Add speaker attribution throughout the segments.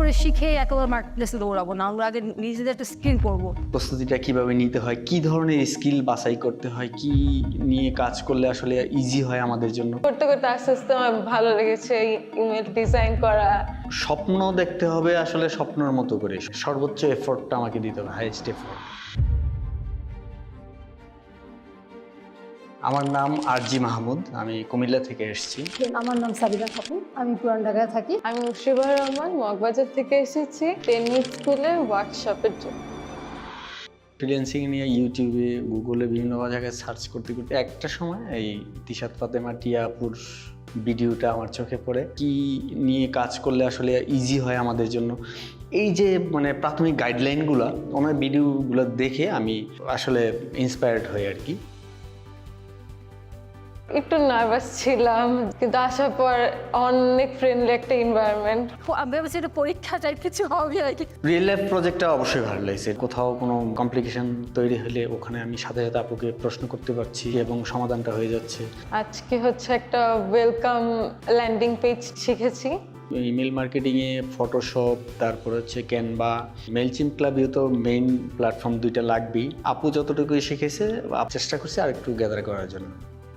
Speaker 1: করে শিখে একেবারে মার্কেটপ্লেসে দৌড়াবো না, আমরা আগে নিজেদের একটা স্কিল করবো।
Speaker 2: প্রস্তুতিটা কিভাবে নিতে হয়, কি ধরনের স্কিল বাছাই করতে হয়, কি নিয়ে কাজ করলে আসলে ইজি হয় আমাদের জন্য।
Speaker 3: করতে করতে আস্তে আস্তে আমার ভালো লেগেছে ইমেল ডিজাইন করা।
Speaker 2: স্বপ্ন দেখতে হবে আসলে স্বপ্নের মতো করে, সর্বোচ্চ এফোর্টটা আমাকে দিতে হবে, হাইয়েস্ট এফোর্ট। আমার নাম আরজি মাহমুদ, আমি কুমিল্লা থেকে এসেছি।
Speaker 1: আমার নাম সাবিনা খাতুন, আমি পুরান ঢাকায় থাকি।
Speaker 3: আমি মুর্শিদা রহমান মগবাজার থেকে এসেছি টেনিস স্কুলের ওয়ার্কশপের জন্য।
Speaker 2: ফ্রিল্যান্সিং নিয়ে ইউটিউবে গুগলে বিভিন্ন জায়গায় সার্চ করতে করতে একটা সময় এই তিশাত ফাতেমা টিয়া আপুর ভিডিওটা আমার চোখে পড়ে। কি নিয়ে কাজ করলে আসলে ইজি হয় আমাদের জন্য, এই যে মানে প্রাথমিক গাইডলাইনগুলো, ওনার ভিডিওগুলো দেখে আমি আসলে ইন্সপায়ার্ড হই আর কি।
Speaker 3: একটু নার্ভাস ছিলাম, কিন্তু আসার পর অনেক ফ্রেন্ডলি একটা এনভায়রনমেন্ট।
Speaker 1: আমি ভেবেছি এটা পরীক্ষা টাইপ কিছু হবে আর কি।
Speaker 2: রিয়েল লাইফ প্রজেক্টটা অবশ্যই ভালো লাগছে। কোথাও কোনো কমপ্লিকেশন তৈরি হলে ওখানে আমি সাথে সাথে আপুকে প্রশ্ন করতে পারছি এবং সমাধানটা হয়ে যাচ্ছে।
Speaker 3: আজকে হচ্ছে একটা ওয়েলকাম ল্যান্ডিং পেজ শিখেছি।
Speaker 2: ইমেল মার্কেটিংয়ে ফটোশপ, তারপর হচ্ছে ক্যানভা, মেলচিম ক্লাবেও তো মেইন প্ল্যাটফর্ম দুইটা লাগবেই। আপু যতটুকুই শিখেছে চেষ্টা করছে আর একটু গ্যাদার করার জন্য।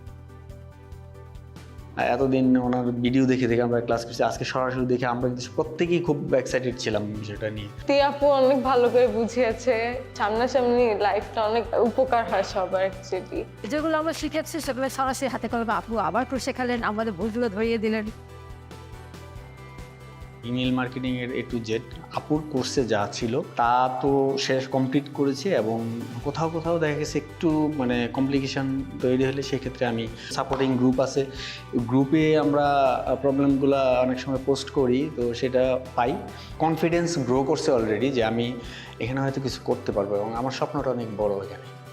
Speaker 2: এতদিন ওনার ভিডিও দেখে দেখে আমরা ক্লাস করছি, আজকে সরাসরি দেখে আমরা কিন্তু প্রত্যেকেই খুব এক্সাইটেড ছিলাম বিষয়টা নিয়ে।
Speaker 3: আপু অনেক ভালো করে বুঝিয়েছে, সামনাসামনি লাইফটা অনেক উপকার হয় সবার অ্যাকচুয়ালি।
Speaker 1: যেগুলো আমরা শিখেছি সেগুলো সরাসরি হাতে কলমে আপু আবার করে শেখালেন, আমাদের ভুলগুলো ধরিয়ে দিলেন।
Speaker 2: ইমেল মার্কেটিংয়ের A to Z আপুর কোর্সে যা ছিল তা তো শেষ কমপ্লিট করেছে, এবং কোথাও কোথাও দেখা গেছে একটু মানে কমপ্লিকেশন তৈরি হলে সেক্ষেত্রে আমি সাপোর্টিং গ্রুপ আছে, গ্রুপে আমরা প্রবলেমগুলো অনেক সময় পোস্ট করি, তো সেটা পাই। কনফিডেন্স গ্রো করছে অলরেডি যে আমি এখানে হয়তো কিছু করতে পারবো, এবং আমার স্বপ্নটা অনেক বড় এখানে।